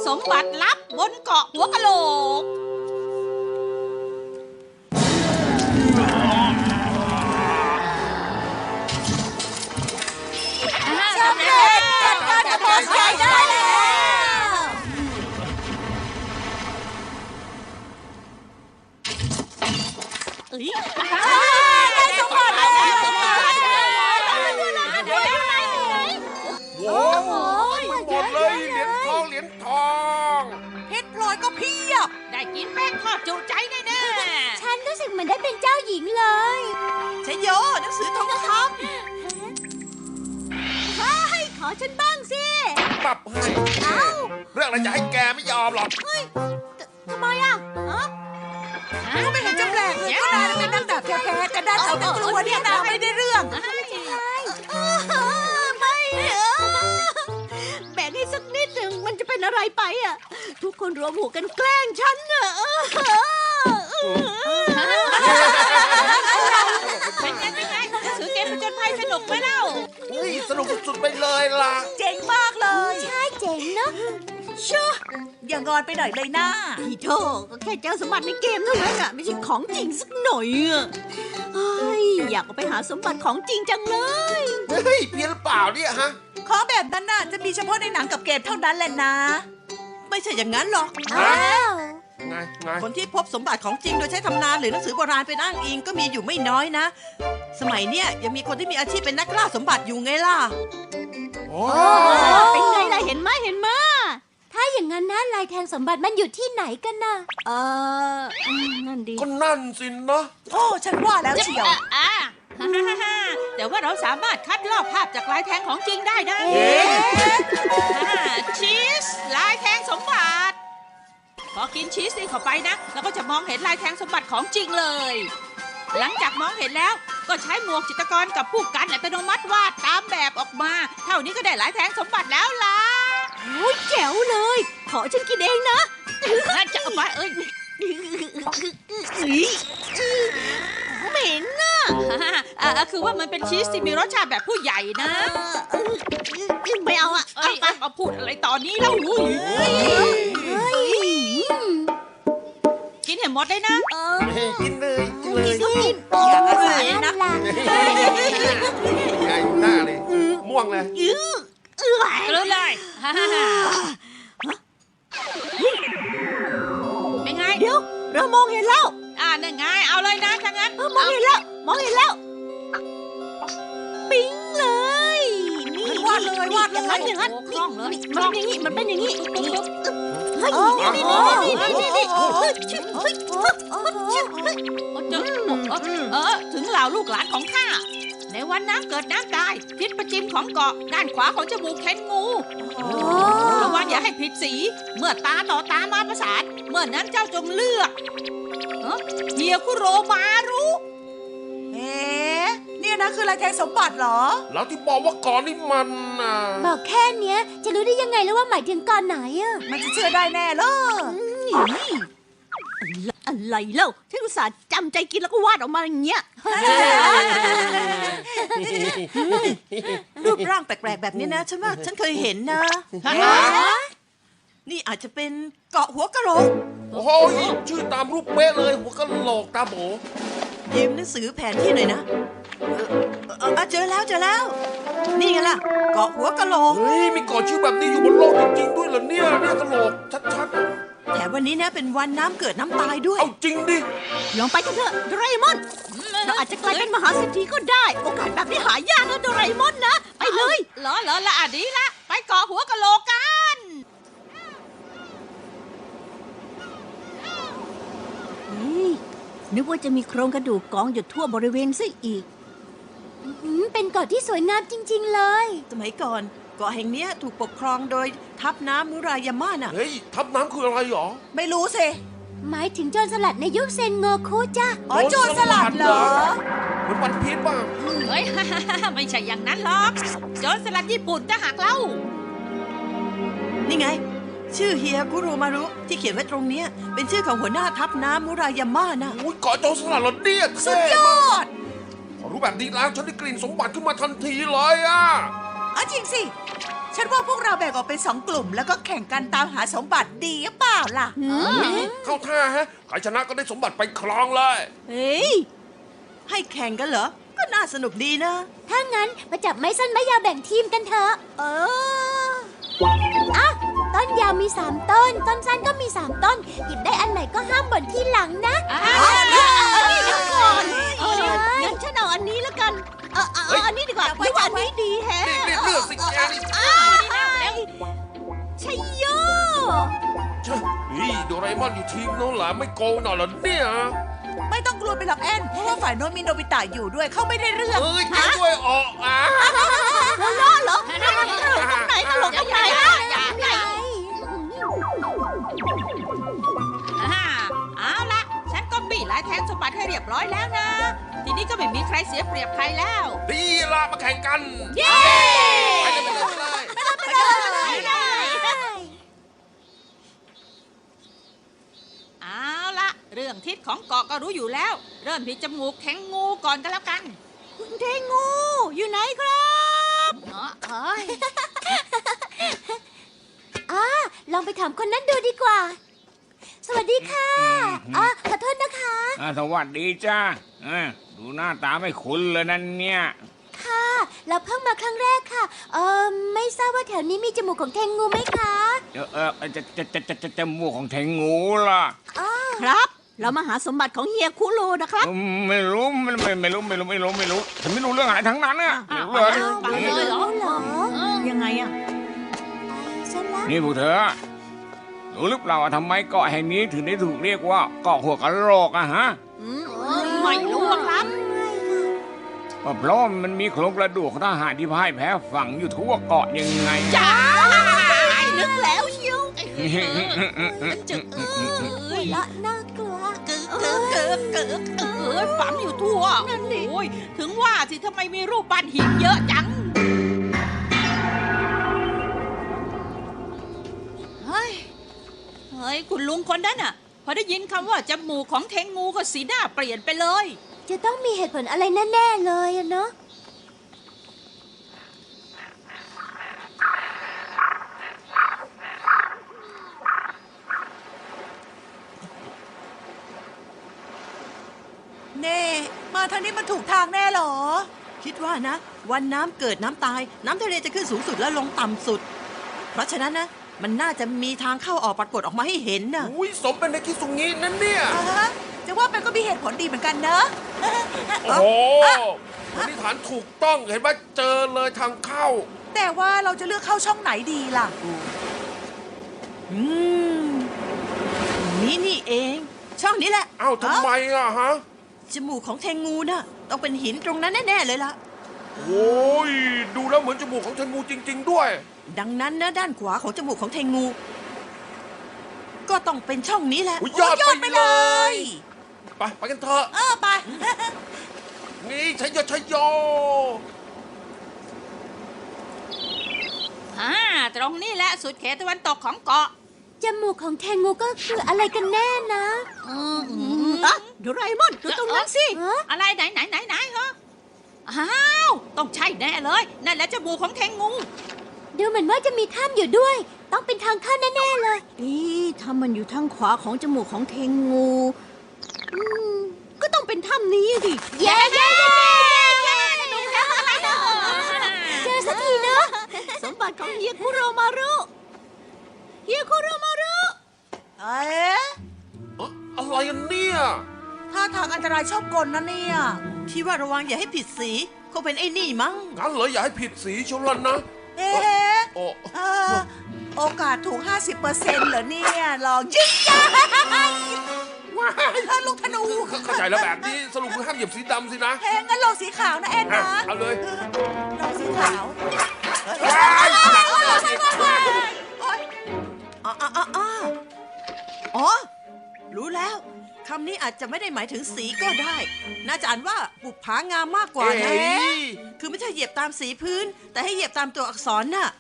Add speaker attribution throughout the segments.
Speaker 1: สมบัติลับบนเกาะหัวกะโหลก
Speaker 2: สำเร็จจัดการกับพอใช้ได้แล้วได้สมบัติแล้ว
Speaker 3: โอ้โหหมดเลยเหรียญทอง
Speaker 1: เพชรพลอยก็เพียบได้กินแป้งทอดจุใจแน่ๆ
Speaker 2: ฉันรู้สึกเหมือนได้เป็นเจ้าหญิงเลย
Speaker 1: ชโยหนังสือทองคำขอฉันบ้างสิ
Speaker 3: ปรับให้เรื่องอะไรจะให้แกไม่ยอมหรอก
Speaker 2: ทำไมอ่ะ
Speaker 1: ก็ไม่เห็นจะแปลกเลยก็นายเป็นนักดาบแท้ๆแต่ด้านเอาแต่กลัวเนี่ยนายไม่ได้เรื่อง
Speaker 2: ไม่แบ่งให้สักนิดหนึ่งมันจะเป็นอะไรไปอ่ะทุกคนรวมหัวกันแกล้งฉันอ่ะ
Speaker 1: เป็นไงหนังสือเกมผจญภัยสนุกไหมเล่า
Speaker 3: สนุกสุดๆไปเลยล่ะ
Speaker 1: เจ๋งมากเลย
Speaker 2: ใช่เจ๋งเนอะ
Speaker 1: ชั่วอย่างอนไปหน่อยเลยนะ
Speaker 2: พี่โธ่ก็แค่เจอสมบัติในเกมเท่านั้นอ่ะไม่ใช่ของจริงสักหน่อยอ่ะอยากไปหาสมบัติของจริงจังเลย
Speaker 3: เฮ้ยเพี้ยนหรือเปล่าเนี่ยฮะ
Speaker 1: ของแบบนั้นน่ะจะมีเฉพาะในหนังกับเกมเท่านั้นแหละนะไม่ใช่อย่างนั้นหรอก
Speaker 3: ไง
Speaker 1: คนที่พบสมบัติของจริงโดยใช้ตำนานหรือหนังสือโบราณเป็นอ้างอิงก็มีอยู่ไม่น้อยนะสมัยเนี้ยยังมีคนที่มีอาชีพเป็นนักล่าสมบัติอยู่ไงล่ะ
Speaker 2: เป็นไงล่ะเห็นไหมถ้าอย่างนั้นนะลายแทงสมบัติมันอยู่ที่ไหนกันน่ะนั่นดี
Speaker 3: ก็นั่นสินะ
Speaker 1: โอ้ฉันว่าแล้วเชียวแต่ว่าเราสามารถคัดลอกภาพจากลายแทงของจริงได้นะชีสลายแทงสมบัติพอกินชีสนี่เข้าไปนะเราก็จะมองเห็นลายแทงสมบัติของจริงเลยหลังจากมองเห็นแล้วก็ใช้หมวกจิตรกรกับผู้กันอัตโนมัติวาดตามแบบออกมาเท่านี้ก็ได้ลายแทงสมบัติแล้วล่ะ
Speaker 2: โอ้ยแจ๋วเลยขอฉันกินเองนะ
Speaker 1: จะเอาไป
Speaker 2: เหม็นน่ะ
Speaker 1: คือว่ามันเป็นชีสที่มีรสชาติแบบผู้ใหญ่นะ
Speaker 2: ไม่เอาอ่ะ
Speaker 1: เอาพูดอะไรตอนนี้แล้วกินให้หมดเลยนะ
Speaker 3: กินเลย
Speaker 1: อย่าอาศัยนะ
Speaker 3: ไงหน้าเลยม่วงเลย
Speaker 1: รู้เลยเป็นไง
Speaker 2: เดี๋ยวเรามองเห็นแล้ว
Speaker 1: นั่นไงเอาเลยนะถ้างั้น
Speaker 2: มองเห็นแล้วปิ๊งเลยนี่
Speaker 1: วาดเลย
Speaker 2: อย่างนั้น
Speaker 1: คล่องเลย
Speaker 2: มันเป็นอย่างนี้เฮ้ย
Speaker 1: ถึงเหล่าลูกหลานของข้าในวันน้ำเกิดน้ำตายทิศประจิมของเกาะด้านขวาของจมูกเข็นงูระวังอย่าให้ผิดสีเมื่อตาต่อตามาประสานเมื่อนั้นเจ้าจงเลือกเฮียคุโรมารุเนี่ยนะคือลายแทงสมบัติเหรอ
Speaker 3: แล้วที่บอกว่าก่อนนี่มัน
Speaker 2: บอกแค่เนี้ยจะรู้ได้ยังไงแล้วว่าหมายถึงก่อนไหนอ่ะ
Speaker 1: มันจะเชื่อได้แน่เลย
Speaker 2: อะไรเล่าฉันอุตส่าห์จำใจกินแล้วก็วาดออกมาอย่างเงี้ย
Speaker 1: รูปร่างแปลกๆแบบนี้นะฉันว่าฉันเคยเห็นนะนี่อาจจะเป็นเกาะหัวกะโหลก
Speaker 3: โอ้โหชื่อตามรูปเป๊ะเลยหัวกะโหลกตาโบ
Speaker 1: ยืมหนังสือแผนที่หน่อยนะเจอแล้วนี่ไงล่ะเกาะหัวกะโหลก
Speaker 3: มีเกาะชื่อแบบนี้อยู่บนโลกจริงๆด้วยเหรอเนี่ยกะโหลกชัด
Speaker 1: ๆแถมวันนี้นะเป็นวันน้ำเกิดน้ำตายด้วย
Speaker 3: เอาจริงดิ
Speaker 2: ลองไปกันเถอะโดราเอมอนเราอาจจะกลายเป็นมหาเศรษฐีก็ได้โอกาสแบบนี้หายากนะโดราเอมอนนะไปเลย
Speaker 1: เหรอละดีละไปเกาะหัวกะโหลกกัน
Speaker 2: นึกว่าจะมีโครงกระดูกกองอยู่ทั่วบริเวณซะอีกเป็นเกาะที่สวยงามจริงๆเลย
Speaker 1: สมัยก่อนเกาะแห่งนี้ถูกปกครองโดยทัพน้ำมุรายาม่าน่ะ
Speaker 3: เฮ้ยทัพน้ำคืออะไรหรอ
Speaker 1: ไม่รู้สิ
Speaker 2: หมายถึงโจรสลัดในยุคเซนโงคุจ้ะ
Speaker 1: โจรสลัดเหรอ
Speaker 3: เหมือนวันพีชป่ะ
Speaker 1: เฮ้ยไม่ใช่อย่างนั้นหรอกโจรสลัดญี่ปุ่นจะหักเล่านี่ไงชื่อเฮียคุโรมารุที่เขียนไว้ตรงนี้เป็นชื่อของหัวหน้าทัพน้ำมุรายาม่านะ
Speaker 3: เกาะโจรสลัดเหรอเนี่ย
Speaker 1: สุดยอด
Speaker 3: รู้แบบนี้แล้วฉันได้กลิ่นสมบัติขึ้นมาทันทีเลยอ่ะ
Speaker 1: จริงสิ
Speaker 4: ฉันว่าพวกเราแบ่งออกเป็น2 กลุ่ม แล้วก็แข่งกันตามหาสมบัติดีหรือเปล่าล่ะ
Speaker 3: เข้าท่าฮะใครชนะก็ได้สมบัติไปครองเลย
Speaker 2: เฮ้ย
Speaker 4: ให้แข่งกันเหรอ ก็น่าสนุกดีนะ
Speaker 2: ถ้างั้นมาจับไม้สั้นไม้ยาวแบ่งทีมกันเถอะ อ่ะ ต้นยาวมี3 ต้น ต้นสั้นก็มี3 ต้น หยิบได้อันไหนก็ห้ามบ่นที่หลังนะ
Speaker 1: เดี๋ยวก่อน
Speaker 2: งั้นฉันเอาอันนี้แล้วกัน เอาอันนี้ดีกว่าไม่ว่าอันนี้ดีแฮะ
Speaker 3: นี่เลือกสิแกนี่
Speaker 2: ชัยโย
Speaker 3: เจ้าโดราเอมอนอยู่ทีมโน้นหล่ะไม่โกงหน่อยเหรอเนี่ย
Speaker 4: ไม่ต้องกลัวไปหรอกแอน เพราะว่าฝ่ายโน้นมีโนบิตะอยู่ด้วย เขาไม่ได้เรื่อง
Speaker 3: เอ้ยแกด้วยออกอ่ะ
Speaker 2: หัวเราะเหรอตลกตรงไหนตลกตรงไหนล่ะ
Speaker 1: เอาละฉันก็บี้ลายแทงสมบัติให้เรียบร้อยแล้วนะ ทีนี้ก็ไม่มีใครเสียเปรียบใครแล้ว
Speaker 3: ดีละมาแข่งกัน
Speaker 1: เย้
Speaker 3: ไปเลย
Speaker 1: เอาละเรื่องทิศของเกาะก็รู้อยู่แล้ว เริ่มที่จมูกแข็งงูก่อนก็แล้วกัน
Speaker 2: คุณเทงูอยู่ไหนครับลองไปถามคนนั้นดูดีกว่า สวัสดีค่ะขอโทษนะคะ
Speaker 5: สวัสดีจ้าดูหน้าตาไม่คุ้นเลยนั่นเนี่ย
Speaker 2: ค่ะ เราเพิ่งมาครั้งแรกค่ะ ไม่ทราบว่าแถวนี้มีจมูกของเทงูไหมคะ
Speaker 5: จมูกของแทงงูล่ะ
Speaker 2: ครับ เรามาหาสมบัติของเฮียคุโรนะครับ
Speaker 5: ไม่รู้ไม่รู้ฉันไม่รู้เรื่องอะไรทั้งนั้นน่ะไม่รู้เลย
Speaker 1: ฟังเลยเหรอ
Speaker 2: ยังไงอะฉันละ
Speaker 5: นี่พวกเธอรู้หรือเปล่าว่าทำไมเกาะแห่งนี้ถึงได้ถูกเรียกว่าเกาะหัวกะโหลกอะฮะ
Speaker 1: ไม่รู้อะครับ
Speaker 5: เพราะมันมีโครงกระดูกของทหารที่พ่ายแพ้ฝังอยู่ทั่วเกาะยังไง
Speaker 1: จ้า
Speaker 2: นึกแล้วเชียว
Speaker 1: จึก
Speaker 2: ละน่ากลัว
Speaker 1: ฝังอยู่ทั่ว
Speaker 2: นั่นดิ
Speaker 1: โอ้ยถึงว่าสิทำไมมีรูปปั้นหินเยอะจัง เฮ้ย คุณลุงคนนั้นน่ะ พอได้ยินคำว่าจมูกของเทงงูก็สีหน้าเปลี่ยนไปเลย
Speaker 2: จะต้องมีเหตุผลอะไรแน่ๆเลยอะเนาะ
Speaker 4: เน่มาทางนี้มันถูกทางแน่เหรอ คิดว่านะ วันน้ำเกิดน้ำตาย น้ำทะเลจะขึ้นสูงสุดแล้วลงต่ำสุด เพราะฉะนั้นนะ มันน่าจะมีทางเข้าออกปรากฏออกมาให้เห็นนะ
Speaker 3: อุ้ยสมเป็นในคิสุงินั่นเนี่ย
Speaker 4: จะว่าไปก็มีเหตุผลดีเหมือนกันเนอะ
Speaker 3: โอ้โหสันนิษฐานถูกต้องเห็นว่าเจอเลยทางเข้า
Speaker 4: แต่ว่าเราจะเลือกเข้าช่องไหนดีล่ะ นี่เอง ช่องนี้แหละ
Speaker 3: เอ้าทำไมอะฮะ
Speaker 4: จมูกของเทงูน่ะ ต้องเป็นหินตรงนั้นแน่ๆเลยล่ะ
Speaker 3: โอ้ยดูแล้วเหมือนจมูกของเทงูจริง ๆ ด้วย
Speaker 4: ดังนั้นนะด้านขวาของจมูกของเทงู ก็ต้องเป็นช่องนี้แหละ
Speaker 3: อุ๊ยยอด
Speaker 4: โไปเลย
Speaker 3: ไปกันเถอะ
Speaker 4: ไป
Speaker 3: นี่ชัยโยชัยโย
Speaker 1: ตรงนี้แหละสุดเขตตะวันตกของเกาะ
Speaker 2: จมูกของเทงูก็คืออะไรกันแน่นะโดราเอมอนดูตรงนั้นสิ
Speaker 1: อะไรไหนเหรออ้าว ต้องใช่แน่เลย นั่นแหละจมูกของเทงงู
Speaker 2: ดูเหมือนว่าจะมีถ้ำอยู่ด้วย ต้องเป็นทางเข้าแน่ๆเลยถ้ามันอยู่ทางขวาของจมูกของเทงูก็ต้องเป็นถ้ำนี้สิเย้เจอสักทีเนอะสมบัติของเฮียคุโรมารุเอ๊ะ
Speaker 3: อะไรกันเนี่ย
Speaker 4: ท่าทางอันตรายชอบกลนะเนี่ย ที่ว่าระวังอย่าให้ผิดสีคงเป็นไอ้นี่มั้ง
Speaker 3: งั้นเหรออย่าให้ผิดสีชนละนะ
Speaker 4: เอ๊ะ
Speaker 3: โอ้
Speaker 4: โอกาสถูก 50%เหรอเนี่ยลองยิงยัยลูกธนู
Speaker 3: เข้าใจแล้วแบบนี้สรุปคือห้ามเหยียบสีดำสินะ
Speaker 4: แพงงั้นลองสีขาวนะแอนนะ
Speaker 3: เอาเลย
Speaker 4: ลองสีขาว
Speaker 3: ว้ายหนักกว่าอีก
Speaker 4: อ๋อ รู้แล้วคำนี้อาจจะไม่ได้หมายถึงสีก็ได้ น่าจะอ่านว่าบุปผางามมากกว่านะคือไม่ใช่เหยียบตามสีพื้น แต่ให้เหยียบตามตัวอักษรน่ะ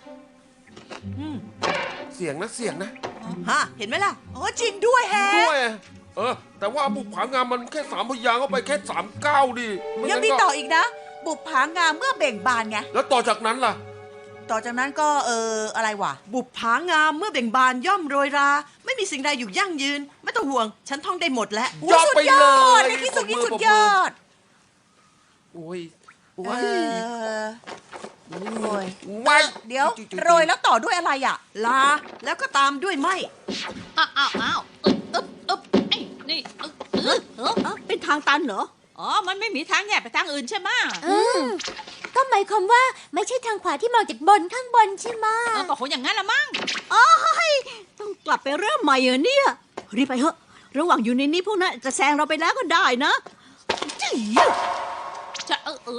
Speaker 3: เสียงนะ
Speaker 4: ฮะเห็นไหมล่ะโอ้จริงด้วยแฮะ
Speaker 3: ด้วยแต่ว่าบุกผางามมันแค่3 พยางค์เข้าไปแค่3 ก้าวดิไ
Speaker 4: ยังมีต่ออีกนะ บุปผางามเมื่อเบ่งบานไง
Speaker 3: แล้วต่อจากนั้นล่ะ
Speaker 4: ต่อจากนั้นก็อะไรวะ บุปผางามเมื่อเบ่งบานย่อมโรยรา ไม่มีสิ่งใดอยู่ยั่งยืน ไม่ต้องห่วง ฉันท่องได้หมดแล้ว
Speaker 3: ยอดไปเลย
Speaker 4: ในที่สุดนี่สุดยอด
Speaker 3: โอ้ยโอ้
Speaker 4: เอย โอ้ย
Speaker 3: ไม่
Speaker 4: เดี๋ยวโรยแล้วต่อด้วยอะไรอ่ะ ลา แล้วก็ตามด้วยไหม
Speaker 1: อ้าวไอ้นี่
Speaker 2: เป็นทางตันเหรอ
Speaker 1: อ๋อ มันไม่มีทางแยกไปทางอื่นใช่ไหม
Speaker 2: ก็หมายความว่าไม่ใช่ทางขวาที่มองจากบนข้างบนใช่ไหม
Speaker 1: ก็คงอย่างนั้นละมั้ง
Speaker 2: ต้องกลับไปเริ่มใหม่เหรอเนี่ย รีบไปเถอะ ระหว่างอยู่ในนี้พวกนั้นจะแซงเราไปแล้วก็ได้นะจี้
Speaker 1: จะ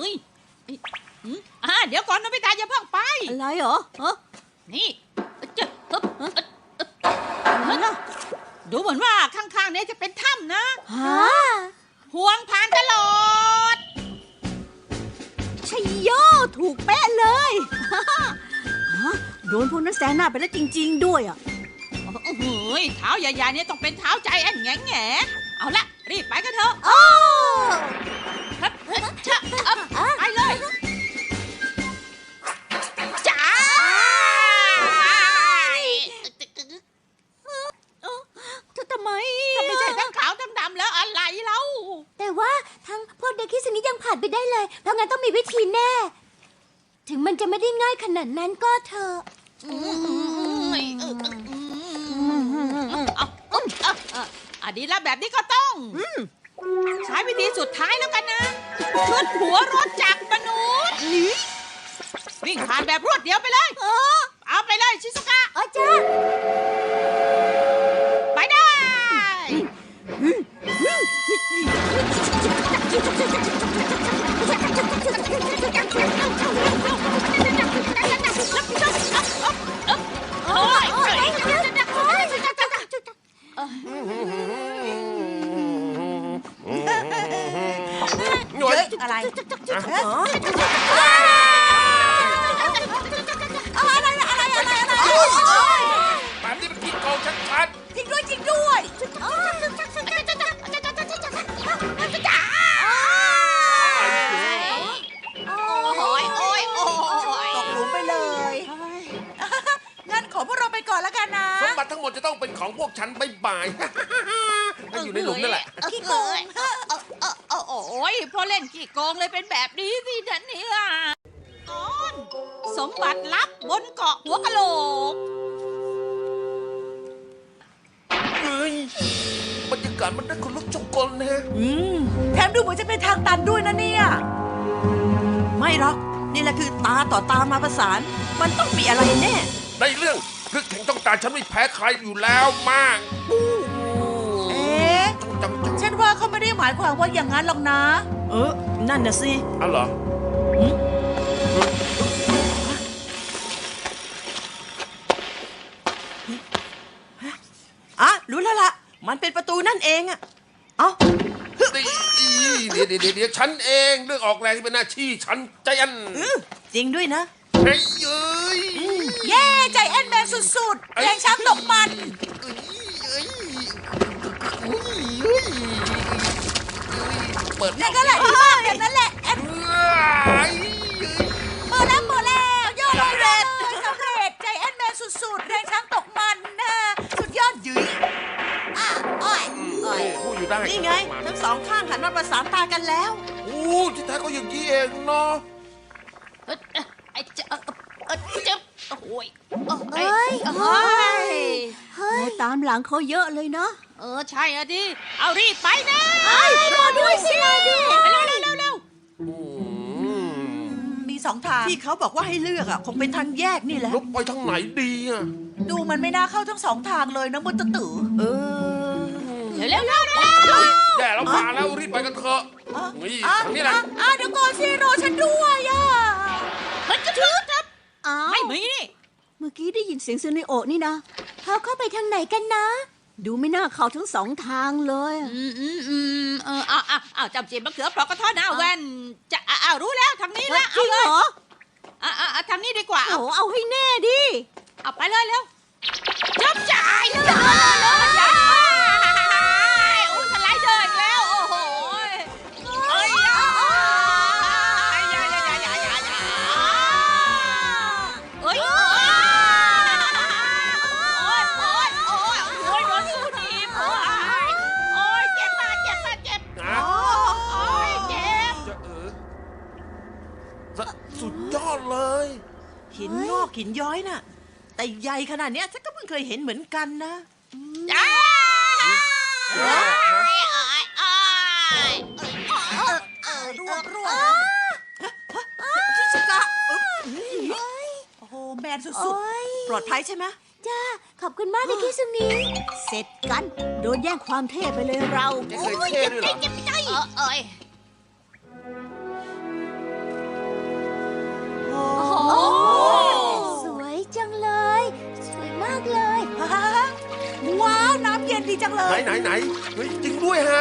Speaker 1: เดี๋ยวก่อนโนบิตะอย่าเพิ่งไป
Speaker 2: อะไรเหรอฮะ
Speaker 1: นี่จะฮึบ
Speaker 2: อะไรล่ะ
Speaker 1: ดูเหมือนว่าข้างๆเนี้จะเป็นถ้ำนะ
Speaker 2: ฮะ
Speaker 1: ห่วงผ่านตลอด
Speaker 2: ชัยโยถูกเป๊ะเลยฮะโดนพวกนั้นแซงหน้าไปแล้วจริง ๆ ด้วยอ่ะ
Speaker 1: เฮ้ยเท้าใหญ่ๆเนี่ยต้องเป็นเท้าใจแอนแง่เอาละรีบไปกันเถอะ
Speaker 2: โอ้
Speaker 1: ครับไปเลยจ้า
Speaker 2: ทำไม
Speaker 1: ถ้าไม่ใช่ทั้งขาวทั้งดำแล้วอะไรเล่า
Speaker 2: แต่ว่าทั้งพวกเด็กคิสนี้ยังผ่านไปได้เลย เพราะงั้นต้องมีวิธีแน่ ถึงมันจะไม่ได้ง่ายขนาดนั้นก็เถอะ
Speaker 1: ดีแล้วแบบนี้ก็ต้องใช้วิธีสุดท้ายแล้วกันนะขึ้นหัวรถจักรมนุษย์วิ่งผ่านแบบรวดเดียวไปเลยเอาไปเลยชิซุกะ
Speaker 2: จ้า
Speaker 1: ไปได้
Speaker 3: หน่วย
Speaker 4: อะไร
Speaker 3: แบบนี้มันขี้โกงชัด
Speaker 4: จริงด้วยจริงด้วย ตกหลุมไปเลย งั้นขอพวกเราไปก่อนแล้วกันนะ
Speaker 3: ๆสมบัติทั้งหมดจะต้องเป็นของพวกฉันบ่ายๆก็อยู่ในหลุมนั่นแหละ
Speaker 4: ขี้โกง
Speaker 1: โอ้ยพอเล่นขี้โกงเลยเป็นแบบนี้สิท่านเนี่ยตอนสมบัติลับบนเกาะหัวกะโหลก
Speaker 3: เฮ้ยบรรยากาศมันได้คนลุกชกกลนะ
Speaker 4: แถมดูเหมือนจะเป็นทางตันด้วยนะเนี่ย ไม่หรอก นี่แหละคือตาต่อตามาประสาน มันต้องมีอะไรแน่
Speaker 3: ในเรื่องคือแข่งต้องการฉันไม่แพ้ใครอยู่แล้วมาก
Speaker 4: เอ๊ะ
Speaker 3: จัง
Speaker 4: ฉันว่าเขาไม่ได้หมายความว่าอย่างนั้นหรอกนะ นั่นน่ะสิ
Speaker 3: อ๋อเหรอ
Speaker 4: รู้แล้วล่ะ มันเป็นประตูนั่นเองอะเอ้า
Speaker 3: เดี๋ยวฉันเองเรื่องออกแรงที่เป็นหน้าที่ฉันใจอัน
Speaker 4: จริงด้วยนะ
Speaker 3: เฮ้ยเอ้ย
Speaker 4: เย้ใจแอนแมนสุดๆแรงช้างตกมัน
Speaker 3: เปิด
Speaker 4: นั่นก็แหละที่บ้านแบบนั้นแหละแอน
Speaker 3: เอ้ย
Speaker 4: เปิดแล้วยอดเลยสำเร็จใจแอนแมนสุดๆแรงช้างตกมันนะสุดยอดหยืยอ้อย
Speaker 3: พูดอยู่ได้
Speaker 4: นี่ไง ทั้งสองข้างหันมาประสานตากันแล้ว
Speaker 3: โอ้ที่แท้ก็อย่างนี้เองเนาะ
Speaker 1: ไอ้เจ็บโอ้ย
Speaker 2: เอ้ย
Speaker 1: เฮ้ย
Speaker 2: เฮ้ยตามหลังเขาเยอะเลยเนาะ
Speaker 1: ใช่อะดิ เอารีบไปนะ
Speaker 2: รอด้วยสิรอด้วย
Speaker 1: เร็ว
Speaker 4: มีสองทางที่เขาบอกว่าให้เลือกอ่ะคงเป็นทางแยกนี่แหละ
Speaker 3: ลุกไปทางไหนดีอ่ะ
Speaker 4: ดูมันไม่น่าเข้าทั้งสองทางเลยนะมุตตะตือ
Speaker 1: เร็ว
Speaker 3: แย่แล้วมาแล้วรีบไปกันเถอะนี่ทางนี้แหละ
Speaker 4: เดี๋ยวก่อนสิรอฉันด้วยอ่ะ
Speaker 1: มันจะถือครับ
Speaker 2: อ้าว
Speaker 1: ไม่มีนี่
Speaker 2: เมื่อกี้ได้ยินเสียงซูเนโอะนี่นะเขาเข้าไปทางไหนกันนะ ดูไม่น่าเข้าทั้งสองทางเลยอะ
Speaker 1: จำจีบมะเขือเปราะกระท้อนหน้าแว่นจะรู้แล้วทางนี้ละ
Speaker 2: จริงเหรอ
Speaker 1: ทางนี้ดีกว่า
Speaker 2: โอ้เอาให้แน่ดิ
Speaker 1: เอาไปเลยเร็วจับจ่ายเลยอุ้ยสไลเดอร์อีกแล้ว โอ้โห
Speaker 4: หินย้อยน่ะ แต่ใหญ่ขนาดเนี้ยฉันก็เพิ่งเคยเห็นเหมือนกันนะ
Speaker 1: จ้า
Speaker 4: ชิสกะโอ้โหแมนสุด
Speaker 2: โอ้ย
Speaker 4: ๆ ปลอดภัยใช่ไหม
Speaker 2: จ้า ขอบคุณมากนะคิสุนีเสร็จกัน โดนแย่งความเท่ไปเลยเรา
Speaker 3: ไม่เคยเท่ด้วยเหรอ
Speaker 2: เจ็บใจ
Speaker 1: เอ้ย
Speaker 4: โอ้
Speaker 2: โอ้สวยจังเลย สวยมากเลย
Speaker 4: ว้าว น้ำเย็นดีจังเล
Speaker 3: ไหนเฮ้ยจริงด้วยฮะ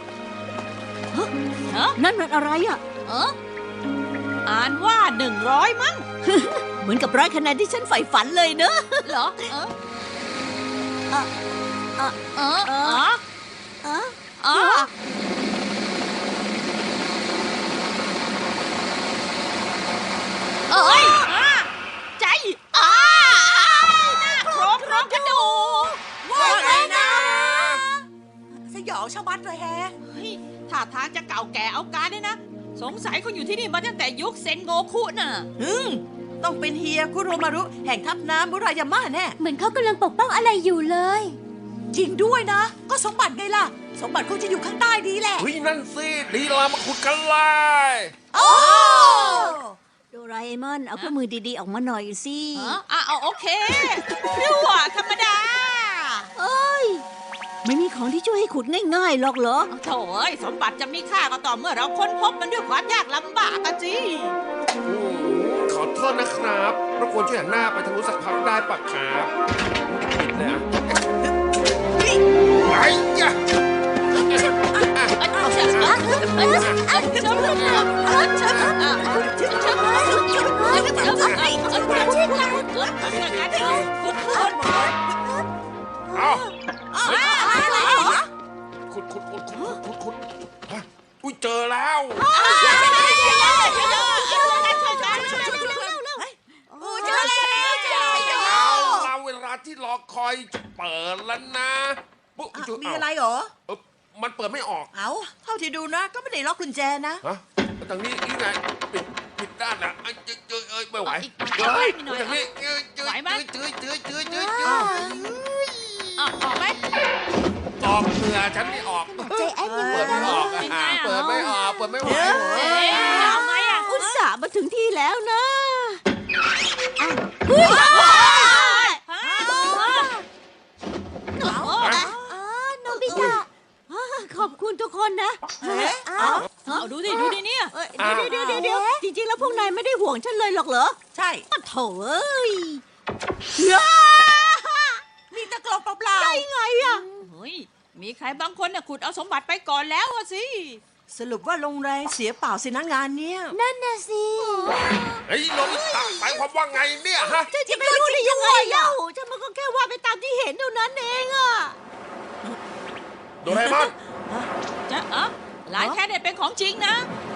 Speaker 2: นั่นมันอะไรอ่ะ
Speaker 1: อ่านว่า100มั้ง
Speaker 2: เหมือนกับ100 คะแนนที่ฉันใฝ่ฝันเลยเนอะ
Speaker 1: เหรอ
Speaker 2: เออ
Speaker 1: เออเอ้ยใจหน้าโครงกระดูก
Speaker 4: ว่าไงนะสยองชะมัดเลยแฮะ
Speaker 1: เฮ้ยท่าทางจะเก่าแก่เอาการเนี่ยนะ สงสัยเขาอยู่ที่นี่มาตั้งแต่ยุคเซนโงคุน่ะ
Speaker 4: ต้องเป็นเฮียคุโรมารุแห่งทัพน้ำมุรายาม่าแน่
Speaker 2: เหมือนเขากำลังปกป้องอะไรอยู่เลย
Speaker 4: จริงด้วยนะ ก็สมบัติไงล่ะ สมบัติคงจะอยู่ข้างใต้นี้แหละ
Speaker 3: เฮ้ยนั่นสิดีละมาขุดกันเลย
Speaker 4: โอ้
Speaker 2: โดราเอมอน เอาเครื่องมือดีๆ ออกมาหน่อยสิ
Speaker 1: เอาโอเครั่วธรรมดา
Speaker 2: เอ้ย ไม่มีของที่ช่วยให้ขุดง่ายๆหรอกเหรอ
Speaker 1: โถ่เอ้ยสมบัติจะมีค่าก็ต่อเมื่อเราค้นพบมันด้วยความยากลำบากกันสิ
Speaker 3: ขอโทษนะครับรบกวนช่วยหันหน้าไปทางนู้นสักพักได้ปะครับปิดเลยอ่ะไอ้ยะ เอาขุดฮะอุ้ยเจอแล้ว
Speaker 4: โอ้เจอแล้ว
Speaker 3: เอาเราเวลาที่รอคอยจะเปิดแล้วนะปุ๊บ
Speaker 4: มีอะไรเหรอ
Speaker 3: มันเปิดไม่ออก
Speaker 4: เอาเท่าที่ดูนะ ก็ไม่ได้ล็อกกุญแจนะ
Speaker 3: ฮะทางนี้นี่ไงปิดด้านนะเอ้ยไม่ไหว
Speaker 1: อีกหน่อยอีกหน่อย
Speaker 3: ทางนี้
Speaker 1: ไหวไหม
Speaker 3: จื้อ
Speaker 1: ออกไหม
Speaker 3: ออกเรือฉันไม่ออก
Speaker 2: ใจแอนยัง
Speaker 3: เปิดไม่ออกอะ
Speaker 1: เป็นไงอะ
Speaker 3: เปิดไม่ออกเปิดไม่ไหว
Speaker 1: เอาไงอ่ะ
Speaker 2: อุตส่าห์มาถึงที่แล้วนะ โนบิตะขอบคุณทุกคนนะ
Speaker 1: เอาดูดิเนี่ย
Speaker 2: เดี๋ยวจริงๆ แล้วพวกนายไม่ได้ห่วงฉันเลยหรอกเหรอ
Speaker 4: ใช่
Speaker 2: ปะโถเอ้ย
Speaker 4: มีตะกรองเปล่า
Speaker 2: ได้ไงอะ
Speaker 1: เฮ้ยมีใครบางคนน่ะขุดเอาสมบัติไปก่อนแล้วอะสิ
Speaker 4: ๆสรุปว่าลงแรงเสียเปล่าสินะงานเนี้ย
Speaker 2: นั่นน่ะสิ
Speaker 3: เฮ้ยโนบิตะหมายความว่าไงเนี่ยฮะ
Speaker 2: ฉันจะไม่รู้ได้ยังไงเล่าฉันมันก็แค่ว่าไปตามที่เห็นเท่านั้นเองอะ
Speaker 3: โดเรมอน
Speaker 1: จะหลายแค่เนี่ยเป็นของจริงนะ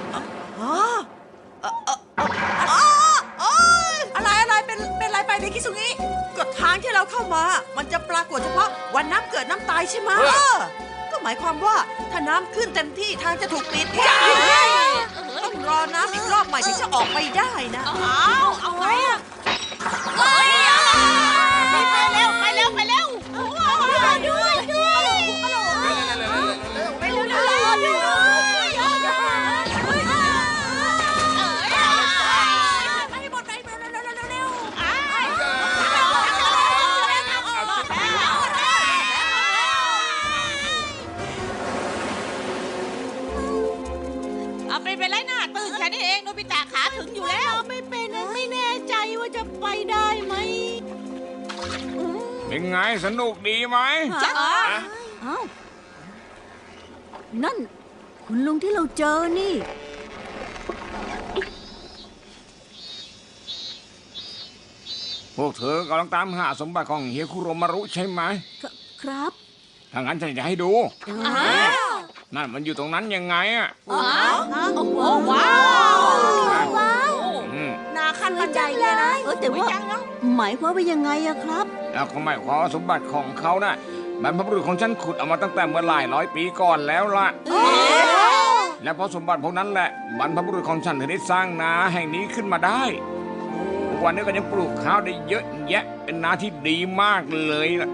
Speaker 4: อะไรเป็นอะไรไปในคิสุงิก็ทางที่เราเข้ามา มันจะปรากฏเฉพาะวันน้ำเกิดน้ำตายใช่ไหมก็หมายความว่าถ้าน้ำขึ้นเต็มที่ทางจะถูกปิดต้องรอน้ำอีกรอบใหม่ถึงจะออกไปได้นะ
Speaker 1: เอาไงอ่ะไปเร็ว
Speaker 2: ด้วย
Speaker 1: เอาไปไล่หน้าตื่นแค่นี้เองโนบิตะขาถึงอยู่แล้ว
Speaker 2: ไม่เป็นไม่แน่ใจว่าจะไปได้ไหม
Speaker 5: เป็นไงสนุกดีไหม
Speaker 1: จะ
Speaker 2: เอ้านั่น คุณลุงที่เราเจอนี่
Speaker 5: พวกเธอกำลังตามหาสมบัติของเฮียคุโรมารุใช่ไหม
Speaker 2: ครับ
Speaker 5: ถ้างั้นฉันจะให้ดู นั่นมันอยู่ตรงนั้นยังไงอ่ะ
Speaker 1: โอ้ว้าว
Speaker 5: อืม
Speaker 4: นาขั้นบันไดเลยนะ
Speaker 2: แต่ว่าหมายความว่ายังไงอะครับ
Speaker 5: แล้วก็หมายความว่าสมบัติของเขาน่ะบรรพบุรุษของฉันขุดเอามาตั้งแต่เมื่อหลายร้อยปีก่อนแล้วล่ะ และเพราะสมบัติพวกนั้นแหละบรรพบุรุษของฉันถึงได้สร้างนาแห่งนี้ขึ้นมาได้วันนี้ก็ยังปลูกข้าวได้เยอะแยะเป็นนาที่ดีมากเลยล่ะ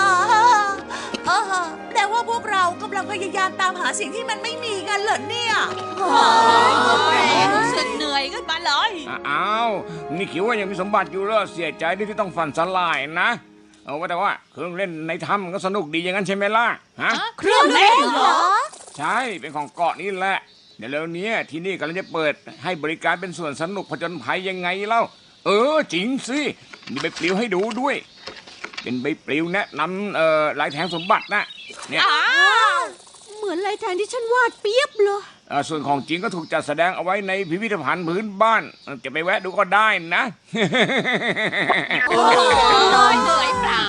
Speaker 4: แปลว่าพวกเรากำลังพยายามตามหาสิ่งที่มันไม่มีกันเหรอเนี่ย
Speaker 1: รู้สึกเหนื่อยขึ้นมาเลย
Speaker 5: อ้าวนี่คิดว่ายังมีสมบัติอยู่เหรอเสียใจที่ต้องฝันสลายนะเอาว่าแต่ว่าเครื่องเล่นในถ้ำก็สนุกดีอย่างนั้นใช่ไหมล่ะฮะ
Speaker 2: เครื่องเล่นเหรอ
Speaker 5: ใช่เป็นของเกาะนี่แหละเดี๋ยวแล้วเนี้ยที่นี่กำลังจะเปิดให้บริการเป็นสวนสนุกผจญภัยยังไงเล่าจริงสิมีใบปลิวให้ดูด้วย เป็นใบปลิวแนะนำลายแทงสมบัตินะเนี่ย
Speaker 2: เหมือนลายแทงที่ฉันวาดเปียบเลย
Speaker 5: ส่วนของจริงก็ถูกจัดแสดงเอาไว้ในพิพิธภัณฑ์พื้นบ้านจะไปแวะดูก็ได้นะ
Speaker 1: เหนื่อยเปล่า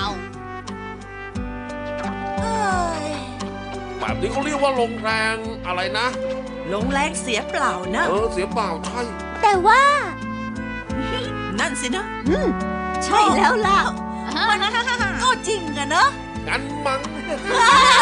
Speaker 3: แบบนี้เขาเรียกว่าลงแรงอะไรนะ
Speaker 4: ลงแรงเสียเปล่านะ
Speaker 3: เสียเปล่าใช่
Speaker 2: แต่ว่า
Speaker 4: นั่นสินะ
Speaker 2: ใช่แล้วล่ะ
Speaker 4: มันก็จริงอะเนอะ
Speaker 3: งั้นมั้ง
Speaker 2: เ